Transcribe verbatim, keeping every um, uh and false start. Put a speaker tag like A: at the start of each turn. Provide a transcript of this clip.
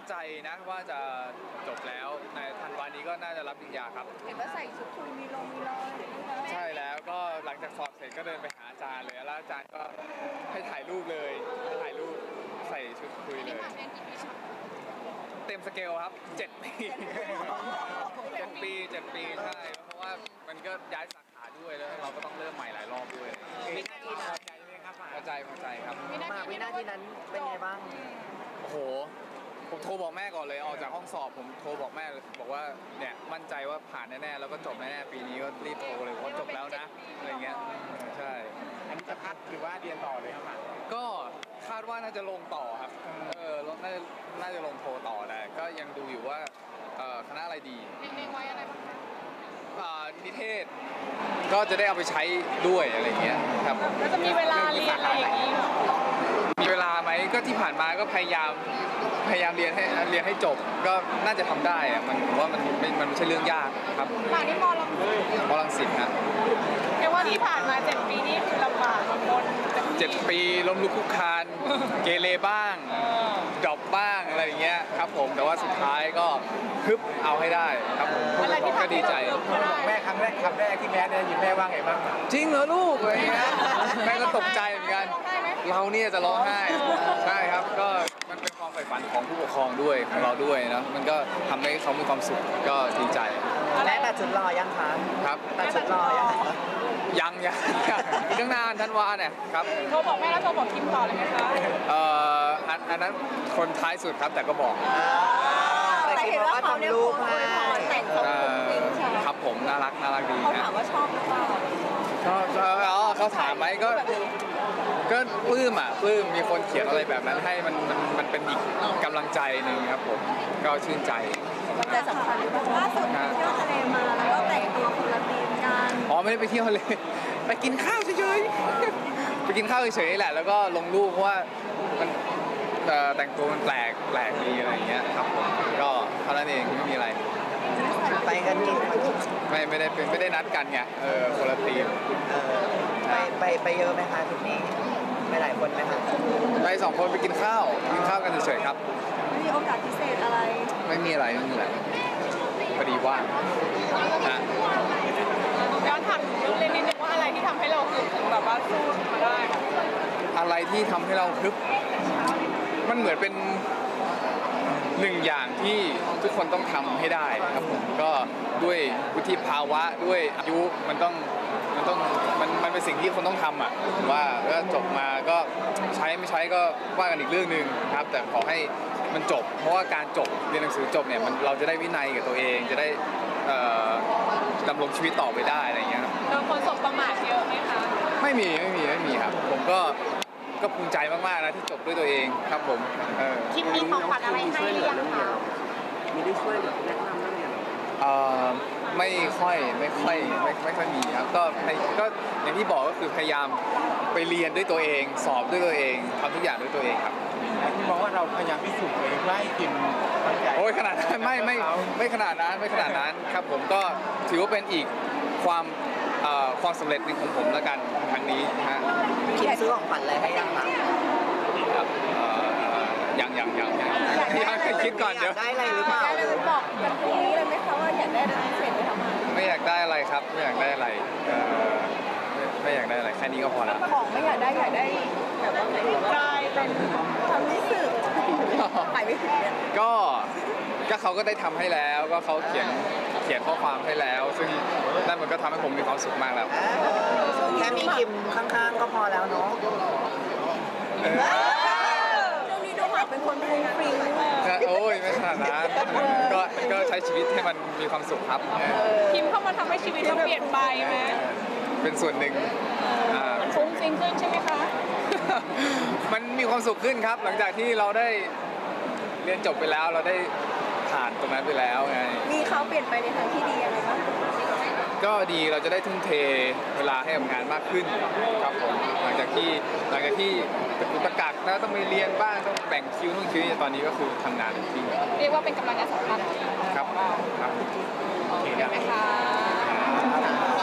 A: ใจนะว่าจะจบแล้วในธันวานี้ก็น่าจะรับปริญญาครับ
B: เห็นว่าใส่ชุดคุยมีลงมีรอย
A: ใช่แล้วก็หลังจากสอบเสร็จก็เดินไปหาอาจารย์เลยแล้วอาจารย์ก็ให้ถ่ายรูปเลยให้ถ่ายรูปใส่ชุดคุยเลยเต็มสเกลครับเจ็ดปีเจ็ดปีเจ็ดปีใช่เพราะว่ามันก็ย้ายสาขาด้วยแล้วเราก็ต้องเริ่มใหม่หลายรอบด้วย
C: วินาทีนั้นใจไหมครับ
A: พอใจพอใจครับ
C: มาวินาทีนั้นเป็นไงบ้าง
A: โอ้โหผมโทรบอกแม่ก่อนเลยออกจากห้องสอบผมโทรบอกแม่บอกว่าเนี่ยมั่นใจว่าผ่านแน่ๆแล้วก็จบแน่ๆปีนี้ก็รีบโทรเลยว่าจบแล้วนะอะไรเงี้ยใช่
C: อันนี้จะพักหรือว่าเรียนต่อเลยครับ
A: ก็คาดว่าน่าจะลงต่อครับเออน่าจะน่าจะลงโทรต่อแต่ก็ยังดูอยู่ว่าคณะอะไรดี
B: เน้นไว้อะไรบ้าง
A: นิเทศก็จะได้เอาไปใช้ด้วยอะไรเงี้ยครับ
B: แล้วจะมีเวลาเรียนอะไรอย่างนี้
A: มีเวลาไหมก็ที่ผ่านมาก็พยายามพยายามเรียนให้เรียนให้จบก็น่าจะทำได้อะมันผมว่ามันไม่มันไม่ใช่เรื่องยากครับ
B: ป่านนี้มอลังสิต
A: มอลังสิตนะ
B: เรียกว่าที่ผ่านมาเจ็ดปีนี้คือลำบากลำบน
A: เจ็ดปีล้มลุกคลุกคลานเกเรบ้างดรอปบ้างอะไรอย่างเงี้ยครับผมแต่ว่าสุดท้ายก็ฮึบเอาให้ได้ครับผมก็ดีใจ
C: บอกแม่ครั้งแรกคำแรกที่แม่ได้ยินแม่ว่าไงบ้าง
A: จริงเหรอลูกอะไรเงี้ยแม่ก็ตกใจเหมือนกันเราเนี่ยจะร้องไห้ใช่ครับก็มันเป็นความใฝ่ฝันของผู้ปกครองด้วยของเราด้วยนะมันก็ทำให้เขามีความสุขก็ดีใจ
C: แม่ตัดชุดรอยังคะ
A: ครับ
C: ตัดชุดรอยัง
A: ยังยังอีกตั้งนานธันวาเนี่ยครับ
B: โทรบอกแม่แล้วโทรบอกคิมต่อเลยไหมคะ
A: เอ่ออันนั้นคนท้ายสุดครับแต่ก็บอก
C: แต่คิดว่าทำลูกให้
B: แต่งตัวจริงใช่
A: ครับผมน่ารักน่ารักดี
B: เขาถามว่าชอบหรือเปล่า
A: ชอบชอบอ๋อเขาถามไหมก็ก็ปลื้มอ่ะปลื้มมีคนเขียนอะไรแบบนั้นให้มันมันมันเป็นอีกกำลังใจหนึ่งครับผมก็ชื่นใจ
B: แต่สำคัญล่าสุดเที่ยวทะเลมาแล้วก็แต่งตัวคนละธีมกัน
A: อ๋อไม่ได้ไปเที่ยวทะเลไปกินข้าวเฉยๆไปกินข้าวเฉยๆแหละแล้วก็ลงรูปเพราะว่ามันแต่งตัวมันแปลกแปลกดีอะไรอย่างเงี้ยครับผมก็เท่านั้นเองไม่มีอะไร
C: ไปกันกิน
A: ไม่ไม่ได้เป็นไม่ได้นัดกันไงเออคนละทีม
C: ไปไปไปเยอะไหมคะทีนี้ไปหลายคนไหมคะ
A: ไปสองคนไปกินข้าวกินข้าวกันเฉยๆครับ
B: มีโอกาสพิเศษอะไร
A: ไม่มีอะไรไม่มีอะไรพอดีว่างนะ
B: ย้อนถามเรื่องเล่นนิดนึงว่าอะไรที่ทำให้เราคือถึงแบบว่าสู้มาได้
A: อะไรที่ทำให้เราคึกมันเหมือนเป็นหนึ่งอย่างที่ทุกคนต้องทำให้ได้ครับผมก็ด้วยวุฒิภาวะด้วยอายุมันต้องมันต้องมันมันเป็นสิ่งที่คนต้องทำอ่ะว่าก็จบมาก็ใช้ไม่ใช้ก็ว่ากันอีกเรื่องหนึ่งครับแต่ขอให้มันจบเพราะว่าการจบเรียนหนังสือจบเนี่ยมันเราจะได้วินัยกับตัวเองจะได้ดำรงชีวิตต่อไปได้อะไรเงี้ยครับ
B: โดนคนสบประมาทเยอะไหมคะ
A: ไม่มีไม่มีไม่มีครับผมก็ก็ภูมิใจมากๆนะที่จบด้วยตัวเองครับผม
B: คิดมีของขวัญอะไรให้หรือยังคะ
C: มีได้ช่วยแบบแนะนำบ้างเนี่ย
A: เอ่อไม่ค่อยไม่ค่อยไม่ไม่ค่อยมีครับก็ก็อย่างที่บอกก็คือพยายามไปเรียนด้วยตัวเองสอบด้วยตัวเองทำทุกอย่างด้วยตัวเองครับ
C: ที่มองว่าเราพยายามพิสูจน์ตัวเองให้กิน
A: โอ้ยขนาดนั้นไม่ไม่ไม่ขนาดนั้นไม่ขนาดนั้นครับผมก็ถือว่าเป็นอีกความความสำเร็จหนึ่งของผมแล้วกันครั้งนี้นะฮะ
C: คิดซื้อของขวัญอะไรให้ยังคะ
A: ครับยังยังยังยังยังคิดก่อนเดี๋ยว
C: ได้อะไรหรือเปล่า
B: บอกกันตรงนี้เลยไหมคะว่าอยากได้อะไรพิเศษไปทำไม
A: ไม่อยากได้อะไรครับไม่อยากได้อะไรไม่อยากได้อะไรแค่นี้ก็พอแล้ว
B: ของไม่อยากได้อยากได้แบบว่าใจเป็นความรู้สึกไปไม่ถึง
A: ก็ก็เขาก็ได้ทำให้แล้วก็เขาเขียนเขียนข้อความให้แล้วซึ่งนั่นมันก็ทำให้ผมมีความสุขมากแล้ว
C: แค่มีคิมข้างๆก็พอแล้วเนาะ
B: เรื่องนี้ดูหมากเป็นคนฟุ้งฟิ้ง
A: โอ้ยไม่ขนาดนั้นก็ก็ใช้ชีวิตให้มันมีความสุขครับ
B: คิมเข้ามาทำให้ชีวิตเราเปลี่ยนไปไหม
A: เป็นส่วนหนึ่ง
B: มันฟุ้งฟิ้งขึ้นใช่ไหมคะ
A: มันมีความสุขขึ้นครับหลังจากที่เราได้เรียนจบไปแล้วเราได้ผ่านตรงนั้นไปแล้วไง
B: มีเขาเปลี่ยนไปในทางที่ดียังไงบ้าง
A: ก็ดีเราจะได้ทุ่มเทเวลาให้กับงานมากขึ้นครับผมหลังจากที่หลังจากที่ตะกักแล้วต้องไปเรียนบ้างต้องแบ่งคิวนู่นคิวนี่ตอนนี้ก็คือทำงานจริง
B: เรียกว่าเป็นกำลังใจสำคัญ
A: ครับครับ
B: โอเคไหมคะ